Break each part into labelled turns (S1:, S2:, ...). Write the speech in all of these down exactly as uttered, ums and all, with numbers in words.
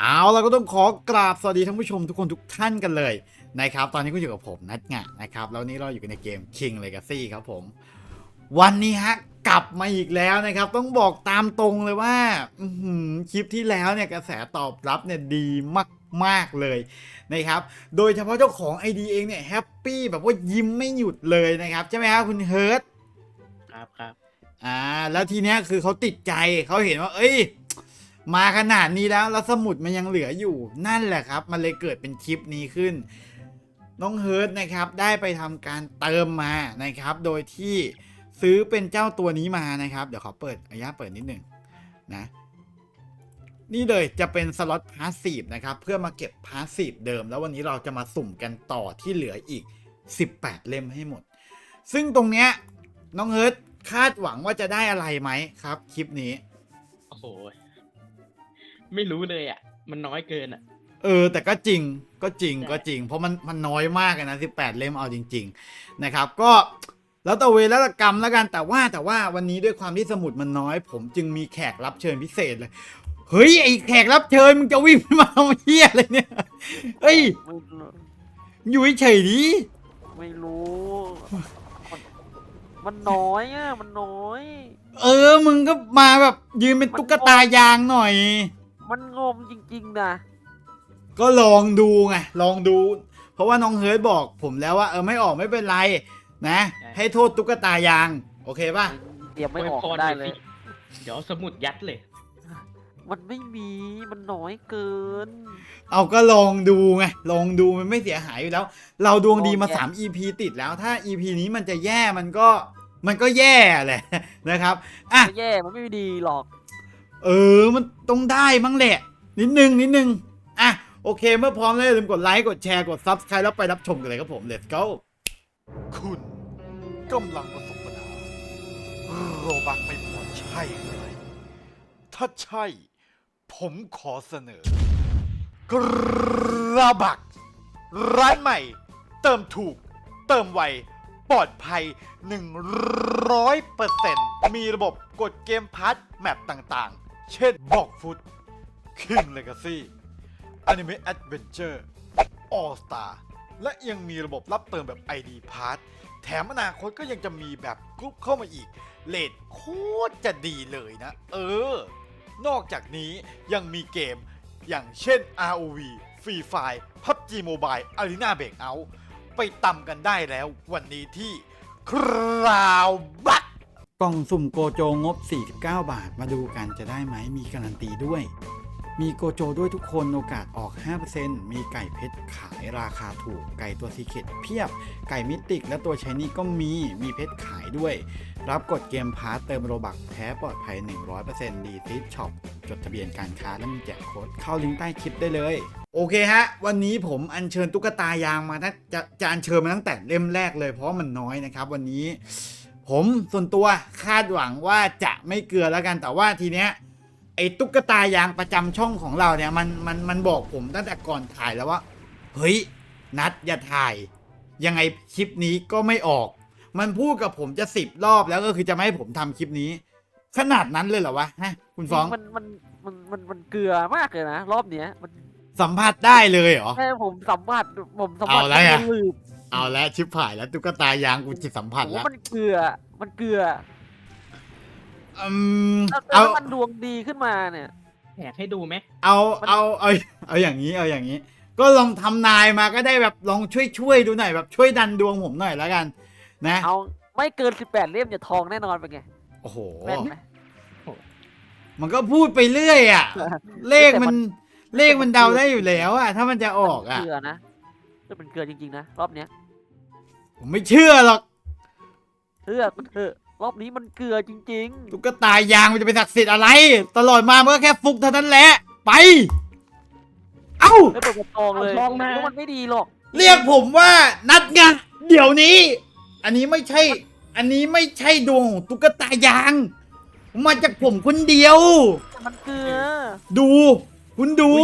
S1: เอาเราก็ต้องขอกราบสวัสดีท่านผู้ชมทุกคนทุกท่านกันเลยนะครับตอนนี้ก็อยู่กับผมนัทงะนะครับแล้วนี้เราอยู่กันในเกม King Legacy ครับผมวันนี้ฮะกลับมาอีกแล้วนะครับต้องบอกตามตรงเลยว่าคลิปที่แล้วเนี่ยกระแสตอบรับเนี่ยดีมากๆเลยนะครับโดยเฉพาะเจ้าของ ไอ ดี เองเนี่ยแฮปปี้แบบว่ายิ้มไม่หยุดเลยนะครับใช่ไหมครับคุณเฮิร์ต
S2: ครับครับ
S1: อ่าแล้วทีเนี้ยคือเขาติดใจเขาเห็นว่าเอ้ยมาขนาดนี้แล้วแล้วสมุดมันยังเหลืออยู่นั่นแหละครับมันเลยเกิดเป็นคลิปนี้ขึ้นน้องเฮิร์ตนะครับได้ไปทำการเติมมานะครับโดยที่ซื้อเป็นเจ้าตัวนี้มานะครับเดี๋ยวขอเปิดอนุญาตเปิดนิดหนึ่งนะนี่เลยจะเป็นสล็อตพาสซีฟนะครับเพื่อมาเก็บพาสซีฟเดิมแล้ววันนี้เราจะมาสุ่มกันต่อที่เหลืออีกสิบแปดเล่มให้หมดซึ่งตรงเนี้ยน้องเฮิร์ตคาดหวังว่าจะได้อะไรไหมครับคลิปนี้
S2: โอ้โหไม่รู้เลยอ่ะมันน้อยเกินอ่ะ
S1: เออแต่ก็จริงก็จริงก็จริงเพราะมันมันน้อยมากเลยนะสิบแปดเล่มเอาจริงๆนะครับก็แล้วแต่เวรแล้วแต่กรรมแล้วกันแต่ว่าแต่ว่าวันนี้ด้วยความที่สมุดมันน้อย ผมจึงมีแขกรับเชิญพิเศษเลยเฮ้ยไอแขกรับเชิญมึงจะวิ่งมาเอาเหี้ยอะไรเนี่ยเฮ้ยอยู่เฉยๆดิ
S3: ไม่รู้มันมันน้อยอ่ะมันน้อย
S1: เออมึงก็มาแบบยืนเป็นตุ๊กตายางหน่อย
S3: มันงมจริงๆนะ
S1: ก็ลองดูไงลองดูเพราะว่าน้องเฮิร์ตบอกผมแล้วว่าเออไม่ออกไม่เป็นไรนะให้โทษตุ๊กตายางโอเคป่ะ
S3: เตรียมไม่ออกได้เลย
S2: เดี๋ยวสมุดยัดเลย
S3: มันไม่มีมันน้อยเกิน
S1: เอาก็ลองดูไงลองดูมันไม่เสียหายอยู่แล้วเราดวงดีมาสาม อี พี ติดแล้วถ้า อี พี นี้มันจะแย่มันก็มันก็แย่แหละนะครับอ่ะ
S3: แย่มันไม่ดีหรอก
S1: เออมันต้องได้มั้งแหละนิดนึงนิดนึงอ่ะโอเคเมื่อพร้อมแล้วอย่าลืมกดไลค์กดแชร์กด ซับสไครบ์ แล้วไปรับชมกันเลยครับผม let's go คุณกำลังประสบปัญหาโรบักไม่พอใช่ไหมถ้าใช่ผมขอเสนอกระบักร้านใหม่เติมถูกเติมไวปลอดภัย หนึ่งร้อยเปอร์เซ็นต์ มีระบบกดเกมพาร์ทแมปต่างๆเช่นบอกฟุต King Legacy Anime Adventure All Star และยังมีระบบรับเติมแบบ ไอ ดี Pass แถมอนาคตก็ยังจะมีแบบกรุ๊ปเข้ามาอีกเรทโคตรจะดีเลยนะเออนอกจากนี้ยังมีเกมอย่างเช่น อาร์ โอ วี Free Fire พับจี Mobile Arena Breakout ไปตำกันได้แล้ววันนี้ที่คราวบัคกล่องสุ่มโกโจงบสี่สิบเก้าบาทมาดูกันจะได้ไหมมีการันตีด้วยมีโกโจด้วยทุกคนโอกาสออก ห้าเปอร์เซ็นต์ มีไก่เพชรขายราคาถูกไก่ตัวซีเคร็ตเพียบไก่มิติกและตัวชายนี่ก็มีมีเพชรขายด้วยรับกดเกมพาร์ตเติมโรบักแท้ปลอดภัย หนึ่งร้อยเปอร์เซ็นต์ ดีซิสช็อปจดทะเบียนการค้าและมีแจกโค้ดเข้าลิงก์ใต้คลิปได้เลยโอเคฮะวันนี้ผมอัญเชิญตุ๊กตายางมาจะจะอัญเชิญมาตั้งแต่เล่มแรกเลยเพราะมันน้อยนะครับวันนี้ผมส่วนตัวคาดหวังว่าจะไม่เกลือแล้วกันแต่ว่าทีเนี้ยไอ้ตุ๊กตายางประจำช่องของเราเนี่ยมันมันมันบอกผมตั้งแต่ก่อนถ่ายแล้วว่าเฮ้ยนัดอย่าถ่ายยังไงคลิปนี้ก็ไม่ออกมันพูดกับผมจะสิบรอบแล้วก็คือจะไม่ให้ผมทำคลิปนี้ขนาดนั้นเลยเหรอวะฮะคุณฟ้อง
S3: มันมันมันมันมันเกลือมากเลยนะรอบเนี้ยมัน
S1: สัมผัสได้เลยเหรอ
S3: แค่ผมสัมผัสผมสัมผัส
S1: เอาแล้วอะเอาแล้วชิบหายแล้วตุ๊กตายางกูจิตสัมผัสแล้ว
S3: มันเกลือมันเกลือ
S1: อืม
S3: เอามันดวงดีขึ้นมาเนี่ย
S2: แหกให้ดูไหม
S1: เอาเอาเอาเอาอย่างนี้เอาอย่างนี้ก็ลองทำนายมาก็ได้แบบลองช่วยช่วยดูหน่อยแบบช่วยดันดวงผมหน่อยแล้วกันนะ
S3: เอาไม่เกินสิบแปดเล่มจะทองแน่นอนเป็นไง
S1: โอ้โห
S3: แม่นไหม
S1: มันก็พูดไปเรื่อยอ่ะเลขมันเลขมันเดาได้อยู่แล้วอ่ะถ้ามันจะออกอ่ะ
S3: เกลือนะจะเป็นเกลือจริงๆนะรอบเนี้ย
S1: ผมไม่เชื่อหรอก
S3: เชื่อมันเถอะรอบนี้มันเกลือจริงๆ
S1: ตุ๊กตายางมันจะเป็นศักดิ์สิทธิ์อะไรตลอดมามันก็แค่ฟุกเท่านั้นแหละไปเอ้า
S3: ไม่เปิดกระตองเลยมันไม่ดีหรอก
S1: เรียกผมว่านัดไงเดี๋ยวนี้อันนี้ไม่ใช่อันนี้ไม่ใช่ดวงของตุ๊กตายางมาจากผมคนเดียว
S3: มันเกลือ
S1: ดูคุณดู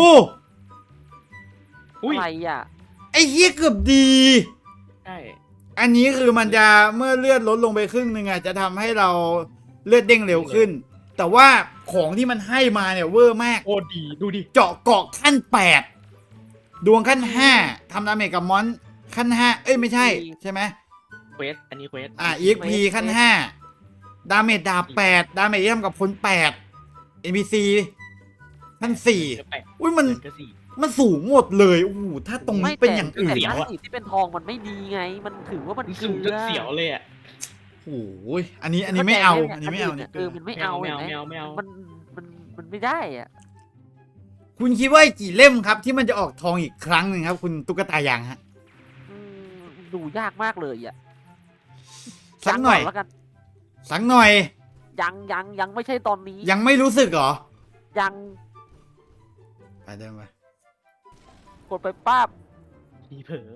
S3: อะไรอ่ะ
S1: ไอ้เหี้ยเกือบดี
S2: ใช่
S1: อันนี้คือมันจะเมื่อเลือดลดลงไปครึ่งหนึ่งอ่ะจะทำให้เราเลือดเด้งเร็วขึ้นแต่ว่าของที่มันให้มาเนี่ยเวอร์มาก
S2: โอ้ดีดูดิ
S1: เจาะเกาะขั้นแปดดวงขั้นห้าทำดาเมจกับมอนขั้นห้าเอ้ยไม่ใช่ใช่ไหม
S2: เควสอันนี้เควส
S1: อ่า อี เอ็กซ์ พี ขั้นห้าดาเมจดาบแปดดาเมจที่ทำกับคนแปด เอ็น พี ซี ขั้นสี่
S2: แปด
S1: อุ้ยมัน
S2: เกินก็สี่
S1: มันสูงหมดเลยโอ้โหถ้าตรงนี้เป็นอย่างอื่น
S3: แต่
S2: เสียว
S3: ถ้า
S2: อะ
S3: สีที่เป็นทองมันไม่ดีไง มันถือว่ามัน
S2: มัน
S3: เก
S2: สู
S3: ลื
S2: งจน
S3: อ
S2: เสียวเลยอ่ะ
S1: โอ้ยอันนี้อันนี้ไม่เอา อันนี้ไม่เอา
S3: น
S1: เนี่ย
S3: เออมันไม่เอา
S2: ไม่
S3: เห็นไหม
S2: เอาไม่เอา
S3: มันมันมันไม่ได้อ่ะ
S1: คุณคิดว่ากี่เล่มครับ ที่มันจะออกทองอีกครั้งหนึ่งครับ คุณตุ๊กตายางฮะ
S3: อืมดูยากมากเลยอ่ะ
S1: สักหน่อย
S3: งแล้วกัน
S1: สักหน่อย
S3: ยังยังยังไม่ใช่ตอนนี้
S1: ยังไม่รู้สึกเหรอ
S3: ยัง
S1: ไปเดินไป
S3: กดไปป้าบ
S2: ทีเผลอ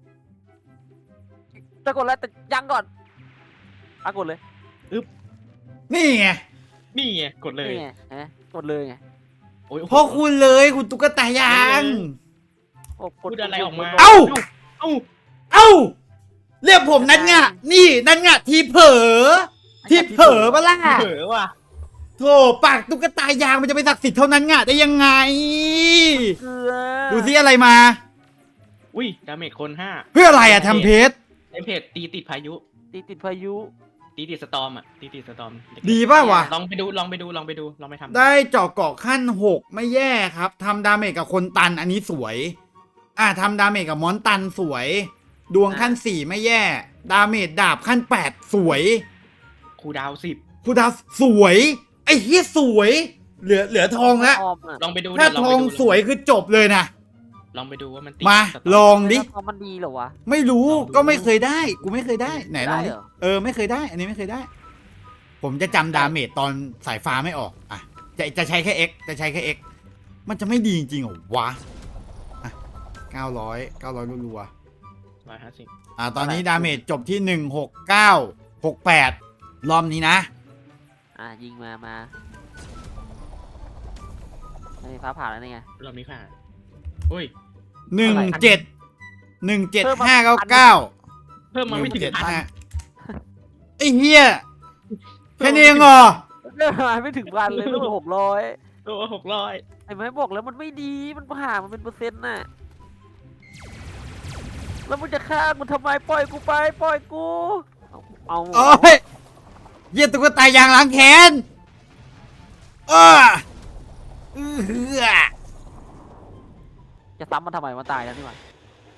S3: จะกดแล้วแต่ยังก่อนอ่ะกดเลย
S1: นี่ไง
S2: นี่ไงกดเลย
S3: นี่ไงเห็นไหมกดเลยไง
S2: โอ้ย
S1: เพราะคุณเลยคุณตุ๊กตายาง
S3: โอ้ก
S2: พูดอะไรออกมา
S1: เอ้า
S2: เอ้า
S1: เอ้า เรียกผมนั่นไงนี่นั่นไงทีเผลอทีเผลอปะล่ะ
S2: เผลอว่ะ
S1: โธ่ปากตุ๊กตายางมันจะไปศักดิ์สิทธิ์เท่านั้นไงได้ยังไง
S3: เกลือ
S1: ดูซิอะไรมา
S2: อุ้ยดาเมจคนห้า
S1: เพื่ออะไรอะทำเพชร
S2: ไอเพจตีติดพายุ
S3: ตีติดพายุ
S2: ตีติดสตอมอ่ะตีติดสตอม
S1: ดีป่ะวะ
S2: ลองไปดูลองไปดูลองไปดูลองไปทำ
S1: ได้เจาะเกาะขั้นหกไม่แย่ครับทำดาเมจกับคนตันอันนี้สวย อ่าทำดาเมจกับมอนตันสวย ดวงขั้นสี่ไม่แย่ ดาเมจดาบขั้นแปดสวย
S2: ครูดาวสิบ
S1: คูดาวสวย ไอ้เฮียสวย เหลือเหลือทองละ
S3: ออมอะ
S2: ลองไปดู
S1: ถ้า
S2: เดี๋ยวล
S1: ท
S2: ไป
S1: อง
S2: ดู
S1: สวยคือจบเลยนะ
S2: ลองไปดูว่ามันติด
S1: มา
S2: สตม
S1: ลองดิ
S3: แล้วทองมันดีเหรอวะ
S1: ไม่รู้
S2: ลองดู
S1: ก็ไม่เคยได้ กูไม่เคยได้ไหนลองดิ
S3: ได้เหรอ
S1: เออไม่เคยได้ อันนี้ไม่เคยได้ ผมจะจำดาเมจตอนสายฟ้าไม่ออกอ่ะจะจะใช้แค่ X จะใช้แค่ X มันจะไม่ดีจริงๆเหรอวะอ่ะเก้าร้อยเก้าร้อยรัว
S2: ร้อยห้าสิบ
S1: ๆอ่ะตอนนี้ดาเมจจบที่หนึ่งหกเก้าหกแปดรอบนี้นะ
S3: อ่ะยิงมามาไอ้ฟ้าผ่าแล้วนี่ไง
S2: รอบนี้ผ่านอุ้ย
S1: หนึ่ง
S3: เท่าไหร่
S1: เจ็ดหนึ่งเจ็ด
S3: เพิ่มมา
S1: ห้าเก้าเก้า
S2: เพิ่มมาไม่ถึง
S1: เจ็ด
S2: พัน
S1: ห้าไอ้เฮียแค่นี้เองเหรอ
S3: เรื่องมาไม่ถึงพันเลยต้องหกร้อย
S2: ตัวหกร้อย
S3: ไอ้ไม้บอกแล้วมันไม่ดีมันผ่ามันเป็นเปอร์เซ็นต์น่ะแล้วมึงจะฆ่ากูทำไมปล่อยกูไปปล่อยกูเอาเอา
S1: โอ้ยเหี้ยตุ๊กตายางล้างแค้นเออเออ
S3: จะซ้ำมันทำไมมันตายแล้วนี่หว่า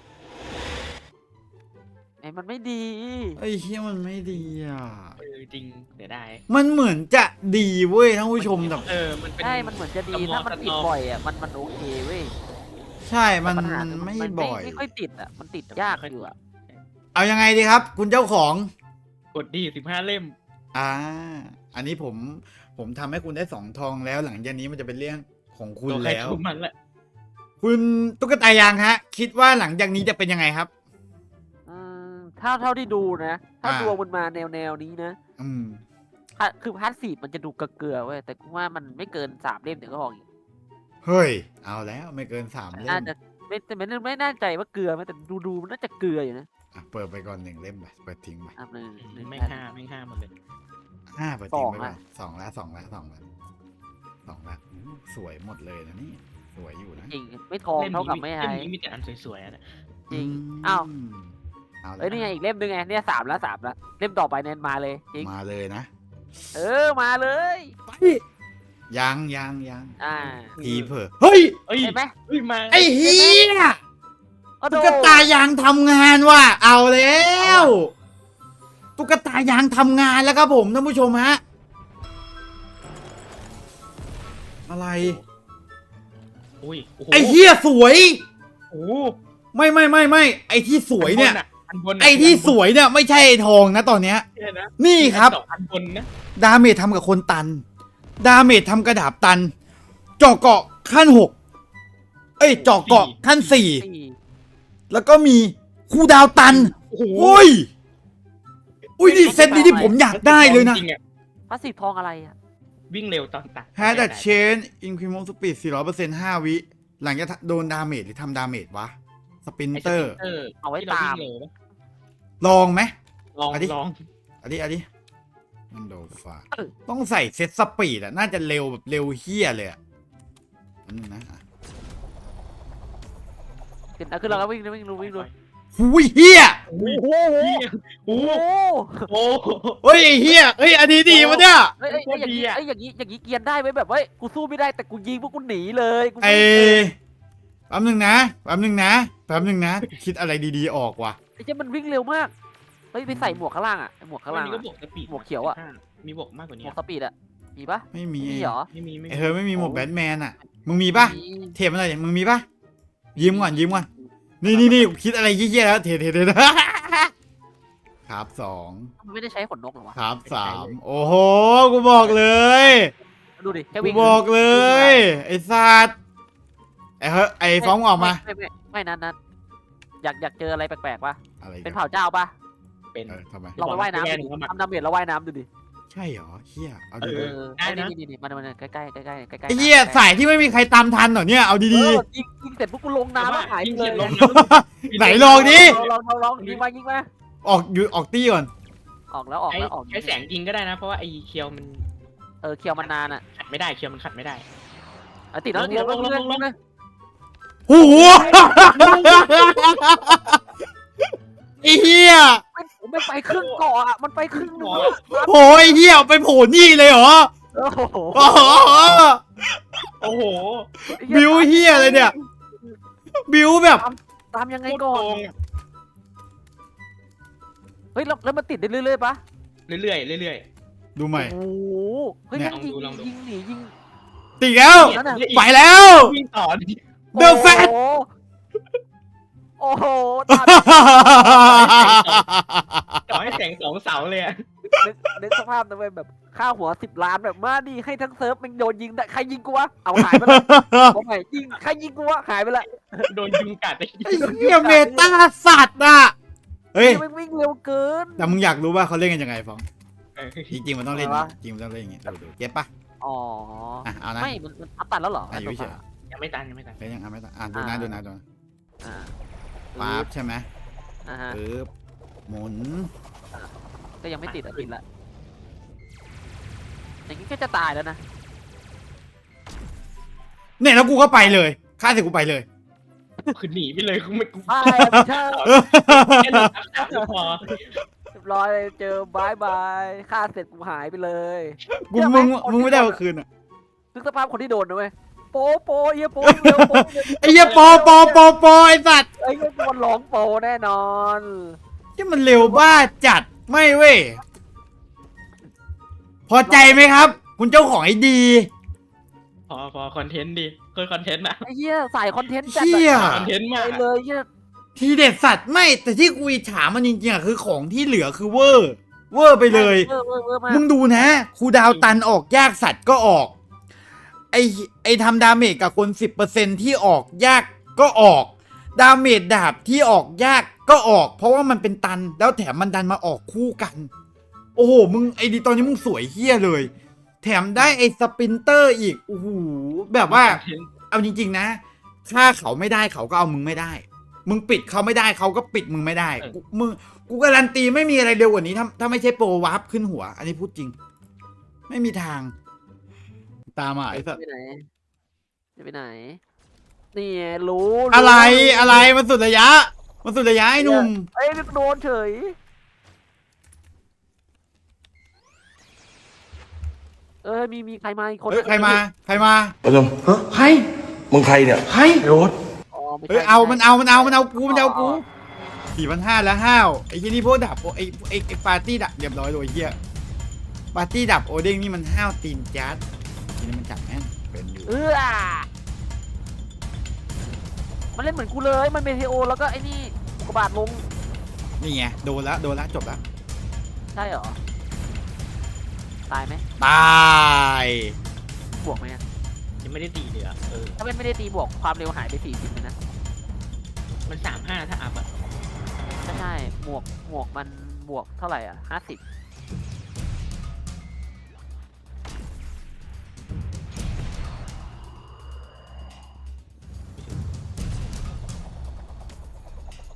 S3: ไอ้มันไม่ดี
S1: ไอ้เฮียมันไม่ดีอ่ะ
S2: เออจริงเดี๋ยวได้
S1: มันเหมือนจะดีเว้ยท่านผู้ชมแต่
S2: เออมันเป็น
S3: ใช่มันเหมือนจะดี
S2: สมอง
S3: ถ้ามันติด
S2: สตอ
S3: บ่อยอ่ะมันมันโอเคเว้ย
S1: ใช่มัน
S3: แต่ปัญหา
S1: มัน
S3: คือ
S1: ไม่
S3: มัน
S1: บ่อย
S3: ไม่ค่อยติดอ่ะมันติดยากอยู่อ่ะ
S1: เอายังไงดีครับ คุณเจ้าของ
S2: กดดีสิบห้าเล่ม
S1: อ่า อันนี้ผมผมทำให้คุณได้สองทองแล้ว หลังจากนี้มันจะเป็นเรื่องของคุณ
S2: ตัวใคร
S1: แล้ว
S2: ทุกมันแหละ
S1: คุณตุ๊กตายางฮะ คิดว่าหลังจากนี้จะเป็นยังไงครับ
S3: อืมเท่าเท่าที่ดูนะ ถ้า
S1: อ่า
S3: ดวงมันมาแนวแนวนี้นะ
S1: อืม
S3: พาคือพาร์ทสี่มันจะดูเกลือๆเว้ยแต่กูว่ามันไม่เกินสามเล่มเดี๋ยวก็ออกอีก
S1: เฮ้ย เอาแล้วไม่เกินสามเล่
S3: น่าม จะไม่แต่ไม่ไม่แน่ใจว่าเกลือไหมแต่ดูดูมันน่าจะเกลืออยู่นะ
S1: อ่ะเปิดไปก่อนหนึ่งเล่มไปเปิดทิ้งไป
S3: อ่ะหนึ่งหนึ่ง
S2: ไม่
S3: แผ่น
S2: ห้าไม่ห้าหมดเลย
S1: ห้าเปิดทิ้งไป
S3: สอง
S1: ก่อ
S3: ละ
S1: นสองแล้วสองแล้วสองแล้วสองแล้วอู้สวยหมดเลยนะนี่สวยอยู่นะ
S3: จริงไม่ทองเท่ากับไม่
S2: เล่
S3: ไฮ
S2: มนี้มีแต่อันสวยๆอะนะ
S3: จริง
S1: ม
S3: อ้าว
S1: เอาแล้ว
S3: เอ้ยนี่ไงอีกเล่มนึงไงเนี่ยสามแล้วสามแล้วเล่มต่อไปเนี่ยมาเลยจริง
S1: มาเลยนะ
S3: เออมาเลย
S1: ไปยังยังยัง
S3: อ่า
S1: ทีเผลอเฮ้ย
S2: เอ้ย
S3: เห็นไหม
S2: เฮ้ยมา
S1: ไอ้เฮีย
S3: โอ้โห
S1: ตุ๊กตายางทำงานว่ะเอาแล้วตุ๊กตายางทำงานแล้วครับผมท่านผู้ชมฮะอะไร
S2: อุ้ยโอ้โห
S1: ไอ้เฮียสวย
S2: โอ้โห
S1: ไม่ไม่ไม่ไม่ไอ้ที่สวยเนี่ย
S2: อันบนอะ
S1: ไอ้ที่สวยเนี่ยไม่ใช่ไอ้ทองนะตอนเนี้ย
S2: เนี่ยนะ
S1: นี่ครับ
S2: สองอันบนนะ
S1: ดาเมจทำกับคนตัน ดาเมจทำกระดาบตัน เจาะเกาะขั้นหกเอ้ยเจาะเกาะขั้นสี่
S3: สี่
S1: แล้วก็มีคูดาวตัน
S2: โอ้โห
S1: โอ้ยอุ้ยนี่เซตนี้ที่ผมอยากได้เลยนะ
S2: จริงๆอ
S3: พาสซีฟทองอะไรอ่ะ
S2: วิ่งเร็วตอนตัด
S1: แฮดดัชเชนอินคริมอลสปีดสี่ร้อยเปอร์เซ็นต์ห้าวิ หลังจากโดนดาเมจหรือทำดาเมจวะ สปิน
S2: ไอ้
S1: เตอร์
S2: สปินเตอร์
S3: เอาไว้
S2: ที่ร
S3: ตาม
S2: วิ่งเร็วนะ
S1: ลองไหม
S2: ลอง
S1: อันนี้
S2: ลอง
S1: อันนี้อันนี้มันโดฟ้าต้องใส่เซตสปีดอะน่าจะเร็วแบบเร็วเฮี้ยเลยอะอันนึงนะอ่ะ
S3: ขึ้นอ่ะขึ้นแล้วก็วิ่งวิ่งดูวิ่งดู
S1: หุยเฮี้ย
S2: โอ้โห
S3: โอ้
S2: โอ้
S3: โห
S2: โห
S1: เฮ้ยไอ้เฮี้ยเฮ้ยอันนี้ดีวะเนี่ย
S3: เฮ้ยเอ้ย
S2: โคตร
S3: อย่าง
S2: ดี
S3: นี้
S2: อะ
S3: ไอ้ยอย่างนี้อย่างนี้เกียนได้ไหมแบบเฮ้ยกูสู้ไม่ได้แต่กูยิงพวกกูหนีเลยกู
S1: ไอ้
S3: วิ่งเลย
S1: แป๊บนึงนะแป๊บนึงนะแป๊บนึงนะ คิดอะไรดีๆออกว่ะ
S3: ไอ้เจ้ามันวิ่งเร็วมากเฮ้ยไปใส่หมวกข้างล่างอ่ะไอ้หมวกข้างล่าง
S2: นี่ก็
S3: อะ
S2: บวกสปีด
S3: หมวกเขียวอะ
S2: มีบวกมากกว่า
S3: หม
S2: นี้
S3: วกสปีดอ่ะมีปะ
S1: ไม่มี
S3: มีเหรอ
S2: ไม่มีไม่
S1: ไอ้
S2: มี
S1: เธอไม่มีหมวกแบทแมนอะมึงมีปะ
S3: มี
S1: เทปอะไรเนี่ยมึงมีปะยิ้มก่อนยิ้มก่อนนี่นี่นี่คิดอะไรเยี่ยๆแล้วเทเทเทครับสอง
S3: มันไม่ได้ใช้ขนนกหรอวะ
S1: ครับสามโอ้โหกูบอกเลย
S3: ดูดิแค่
S1: กู
S3: วิ่ง
S1: บอกเลย ไอ้สัตว์ไอ้เฮ้ยไอ้ฟ้องออกมา
S3: ไม่ไม่ไม่ไม่นัดนัดอยากอยากเจออะไรแปลกๆปะ
S1: อะไร
S3: เป็น
S1: กัน
S3: เผ่าเจ้าปะ
S2: เป็น
S1: เออทำไม
S3: เราไปว่ายน้ำดูดิทำดาเมจเราว่ายน้ำดูดิ
S1: ใช่เหรอเฮียเอา
S2: เอ
S1: ดี
S3: เอ
S2: อ
S3: อ
S2: ได้
S3: ไอ้
S2: นะ
S3: นี่นี่นี่มันมันใกล้ใกล้ใกล้ใกล้ใกล้ใกล้
S1: ไอ้เฮียสายที่ไม่มีใครตามทันเหรอเนี่ยเอา
S3: เอ
S1: ดี
S3: อยิงยิงเสร็จพวกกูลงน้ำแล้วหาย
S2: ยิง
S3: เล
S2: เสร็
S3: ย
S2: จลง
S1: ๆ ไหนลองดิ
S3: ลองลองลองยิงมายิงมา
S1: ออกอยู่ออกตี้ก่อน
S3: ออกแล้วออก
S2: ใช้
S3: แล้วออก
S2: ใช้แสงยิงก็ได้นะ เพราะว่าไอ้เคียวมัน
S3: เออเคียวมันนานอ่ะ
S2: ขัดไม่ได้เคียวมันขัดไม่ได้
S3: อ่ะติดแล้วติดแล้ว
S2: ลงลงลงลง
S3: เลย
S1: โอ้โหไอ้เฮีย
S3: ผมไม่ไปครึ่งเกาะอ่ะมันไปครึ่งหนึง
S1: โอ้ยเฮียไปโผล่นี่เลยเหรอ
S3: โอ้โห
S1: โอ้โห
S2: โอ้โห
S1: บิวเฮียเลยเนี่ย บิวแบบ
S3: ตามยังไง
S2: โคตร
S3: ก่อ
S2: โก
S3: น
S2: ง
S3: เฮ้ยแล้วแล้วมันติดได้เรื่อยๆปะ
S2: เรื่อยๆเรื่อย
S1: ดูใหม่
S3: โอ้โหเฮ้ย
S1: เนี่ย
S3: แม่งยิง
S2: ลองดู
S3: ยิงหนียิง
S1: ติดแล้ว
S3: นั่นน่ะ
S1: ไปแล้ว
S2: ๆวิ่งต่อดิ
S1: เดอะแฟต
S3: โอ้โหตาม
S2: ต่อให้แสงสองเสาเลยอะ
S3: นึกนึกสภาพนะเว้ยแบบค่าหัวสิบล้านแบบมาดีให้ทั้งเซิร์ฟมันโดนยิงได้ใครยิงกูวะเอาหายไปละผมใหม่ยิงใครยิงกูวะหายไปละ
S2: โดนยุงกัดไอ้
S1: ไอ้เฮียเมตาสัตว์อ่ะ เฮ้ย
S3: มันวิ่งเร็วเกิน
S1: แต่มึงอยากรู้ว่าเขาเล่นกันยังไงฟอง
S2: เออ
S1: จริงๆมันต้องเล่น
S3: อะไรวะ
S1: จริงๆมันต้องเล่นอย่างเงี้ยดูดูเก็ตปะ
S3: อ๋อ
S1: อ่ะเอานะ
S3: ไม่มันมันอัพตันแล้วเหรอ
S1: อ่ะอยู่เฉย
S2: ยังไม่ตันยังไม่ตัน
S1: เล่นยังเอาไม่ต้องอ่ะดูนะดูนะดูนะ
S3: อ่า
S1: ปั๊บใช่ไหม
S3: อ่าฮะ
S1: ปึ๊บหมุน
S3: ก็ยังไม่ติดอ่ะติดละอย่างนี้ก็จะตายแล้วนะ
S1: เนี่ยแล้วกูก็ไปเลยฆ่าเสร็จกูไปเลย
S2: คือหนีไปเลยคือไม่กู
S3: ตายไม่ใช่
S2: แค่หนึ่งนับสามก็พอ
S3: เรียบร้อยเลยเจอบายบายฆ่าเสร็จกูหายไปเลย
S1: กูมึงมึงไม่ได้เอาคืนอ่ะ
S3: นึกสภาพคนที่โดนนะเว้ยโปโปเอียโปเร็วโป
S1: ไอ้เหี้ยปอปอปอปอไอ้สัตว์
S3: ไอ้เงี้ยมันร้องโปแน่นอน
S1: ที่มันเร็วบ้าจัดไม่เว้ยพอใจไหมครับ คุณเจ้าของไอ้ดี
S2: พอพอคอนเทนต์ดีเคยคอนเทนต์นะ
S3: ไอ้เหี้ยใส่คอนเทนต์จัด
S1: เหี้ย
S2: คอนเทนต์
S3: ไป
S2: มาก
S3: เลยเหี้ย
S1: ทีเด็ดสัตว์ไม่แต่ที่กูอิจฉามันจริงๆอ่ะคือของที่เหลือคือเวอร์ เวอร์ไปเลย
S3: เวอร์เวอร์เวอร์มาก
S1: มึงดูนะครูดาวตันออกยากสัตว์ก็ออก ไอไอทำดาเมจกับคนสิบเปอร์เซ็นที่ออกยากก็ออก ดาเมจดาบที่ออกยากก็ออก เพราะว่ามันเป็นตันแล้วแถมมันดันมาออกคู่กัน โอ้โหมึงไอดีตอนนี้มึงสวยเฮี้ยเลย แถมได้ไอสปรินเตอร์อีกโอ้โหแบบว่า
S2: คอนเทนต์
S1: เอาจริงๆนะ ถ้าเขาไม่ได้เขาก็เอามึงไม่ได้ มึงปิดเขาไม่ได้เขาก็ปิดมึงไม่ได้กูมึงกูการันตีไม่มีอะไรเร็วกว่านี้ถ้าถ้าไม่ใช่โปรวาร์ปขึ้นหัว อันนี้พูดจริง ไม่มีทาง ตามมาไอ้สัส
S3: จะไปไหนจะไปไหนนี่ไงรู้รู้
S1: อะไรอะไรมันสุดระยะ มันสุดระยะไอ้หนุ่ม
S3: ไอ้ยนึกโดนเฉยเออมีมีใครมาอีกคน
S1: เฮ้ยใครมา ใครมา
S4: ประชุมฮะ
S1: ใคร
S4: มึงใครเนี่ย
S1: ใคร
S4: ไอ้โอ๊ต
S3: อ๋อไม่ใช่
S1: เฮ้ยเอามันเอามันเอามันเอากูมันเอา
S3: อ๋
S1: กู
S3: อ
S1: สี่พันห้าแล้วห้าวไอ้ที่นี่พวกดับโอไอ้ไอ้ไอ้ปาร์ตี้ดับเรียบร้อยเลยไอ้เฮียปาร์ตี้ดับโอเด้งนี่มันห้าวตีนจัดทีนี้มันจับแม่นเป็นอยู่
S3: เออมันเล่นเหมือนกูเลย มันเมเทโอแล้วก็ไอ้นี่อุกกาบาตลง
S1: นี่ไงโดนแล้วโดนแล้วจบแล้ว
S3: ใช่เหรอ ตายไหม
S1: ตาย
S3: บวกไหมอะ
S2: ยังไม่ได้ตีเลยอ่ะเออ
S3: ถ้ามันไม่ได้ตีบวกความเร็วหายไปสี่สิบเลยนะ
S2: มันสามห้าถ้าอัพอ่ะ
S3: ไม่ใช่หมวกหมวกมันบวกเท่าไหร่อ่ะห้าสิบ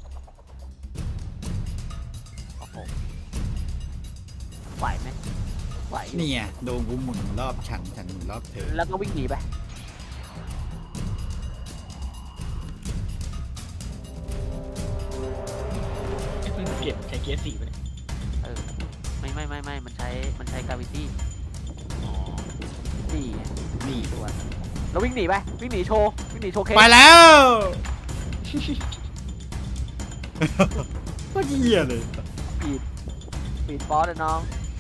S3: โอ้โหไหวไหมไหว
S1: เนี่ยโดนกูหมุนรอบฉันฉันหมุนรอบเธอ
S3: แล้วก็วิ่งหนีไป
S2: ไอ้เพิ่งเปลี่ยนใช้เกียร์สี่ไปเนี่ย
S3: เออไม่ไม่ไม่ไม่มันใช้มันใช้กราวิตี้
S2: อ๋อ
S3: นี่
S1: นี่
S3: ตัวแล้ววิ่งหนีไปวิ่งหนีโชว์วิ่งหนีโชว์เคส
S1: ไปแล้วก็เหี้ยเลย
S3: ปีดปีดฟอสเลยน้อง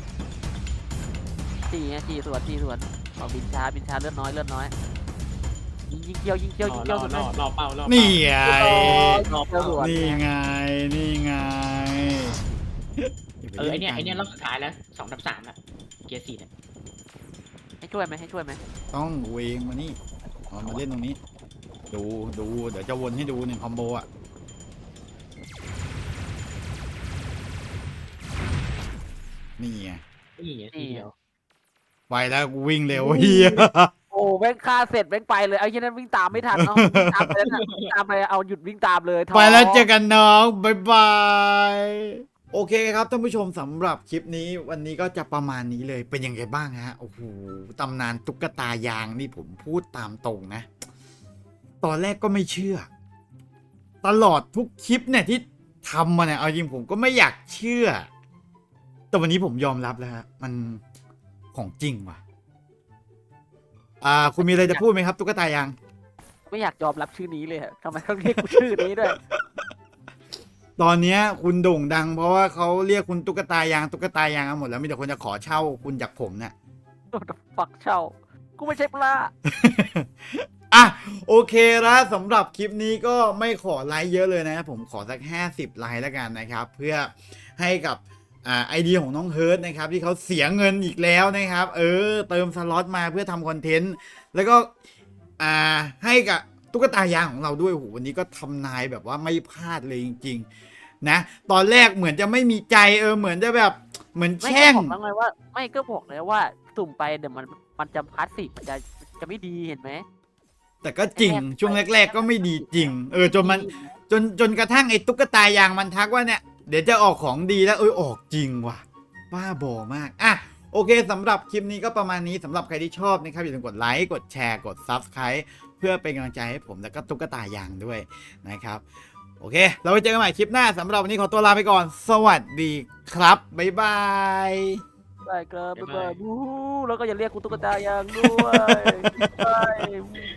S3: จีไงจีสวนจีสวนเอาบินช้าบินช้าเลือดน้อยเลือดน้อยยิงยิงเกี่ยวยิงเกี่ยวยิง
S2: ร
S3: เกี่
S2: อ
S3: ยวสุด
S2: ร
S3: เล
S2: อยรอเป้ารอเป้า
S1: นี่ไง
S3: รอบเกี่ยวสวน
S1: นี่ไงนี่ไง
S2: เออไอเนี้ยไอเนี้ยรอบสุดท้ายแล้วสองทับสามแล้วเกียร์สี่เนี่ย
S3: ให้ช่วยไหมให้ช่วยไหม
S1: ต้องเวงมานี่เอามาเล่นตรงนี้ ดูดูเดี๋ยวจะวนให้ดูหนึ่งคอมโบอ่ะนี่ไง
S2: นี่ไงทีเดียว
S1: ไปแล้วกูวิ่งเร็วเฮีย
S3: โอ้แม่งฆ่าเสร็จแม่งไปเลยไอ้เช่นนั้นวิ่งตามไม่ทันเนาะวิ่งตามไปแล้วน่ะวิ่งตามไปเอาหยุดวิ่งตามเลยท้อ
S1: ไปแล้วเจอกันน้องบายบายโอเคครับท่านผู้ชมสำหรับคลิปนี้วันนี้ก็จะประมาณนี้เลยเป็นยังไงบ้างฮะโอ้โหตำนานตุ๊กตายางนี่ผมพูดตามตรงนะ ตอนแรกก็ไม่เชื่อ ตลอดทุกคลิปเนี่ยที่ทำมาเนี่ยเอาจริงผมก็ไม่อยากเชื่อ แต่วันนี้ผมยอมรับแล้วฮะมันของจริงว่ะอ่าคุณมีอะไรจะพูดไหมครับตุ๊กตายาง
S3: ไม่อยากยอมรับชื่อนี้เลยอะทำไมต้องเรียกกูชื่อนี้ด้วย
S1: ตอนเนี้ยคุณโด่งดัง เพราะว่าเขาเรียกคุณตุ๊กตายางตุ๊กตายางกันหมดแล้วมีแต่คนจะขอเช่าคุณจากผมเนี่ย
S3: ฝักเช่ากูไม่ใช่ปลา
S1: อ่ะโอเคแล้วสำหรับคลิปนี้ก็ไม่ขอไลค์เยอะเลยนะผมขอสักห้าสิบไลค์แล้วกันนะครับเพื่อให้กับอ่าไอเดียของน้องเฮิร์ตนะครับที่เขาเสียเงินอีกแล้วนะครับเออเติมสล็อตมาเพื่อทำคอนเทนต์แล้วก็อ่าให้กับตุ๊กตายางของเราด้วยโอ้โหวันนี้ก็ทำนายแบบว่าไม่พลาดเลยจริงๆนะตอนแรกเหมือนจะไม่มีใจเออเหมือนจะแบบเหมือน
S3: ไม่
S1: แช่ง
S3: ก็บอกแล้วไงว่า ไม่ก็บอกเลยว่าสุ่มไปเดี๋ยวมันมันจะพลาสติกมันจะจะไม่ดีเห็นไหม
S1: แต่ก็จริงช่วงแรก ๆ ก็ไม่ดีจริงเออจนมันจนจนกระทั่งไอ้ตุ๊กตายางมันทักว่าเนี่ยเดี๋ยวจะออกของดีแล้วเออออกจริงว่ะบ้าบอมากอ่ะโอเคสำหรับคลิปนี้ก็ประมาณนี้สำหรับใครที่ชอบนะครับอย่าลืมกดไลค์กดแชร์กด ซับสไครบ์ เพื่อเป็นกำลังใจให้ผมแล้วก็ตุ๊กตายางด้วยนะครับโอเคเราไปเจอกันใหม่คลิปหน้าสำหรับวันนี้ขอตัวลาไปก่อนสวัสดีครับบ๊ายบาย
S3: ได้ครับบ๊ายบายบู๊แล้วก็อย่าเรียกกูตุ๊กตายางด้วย บาย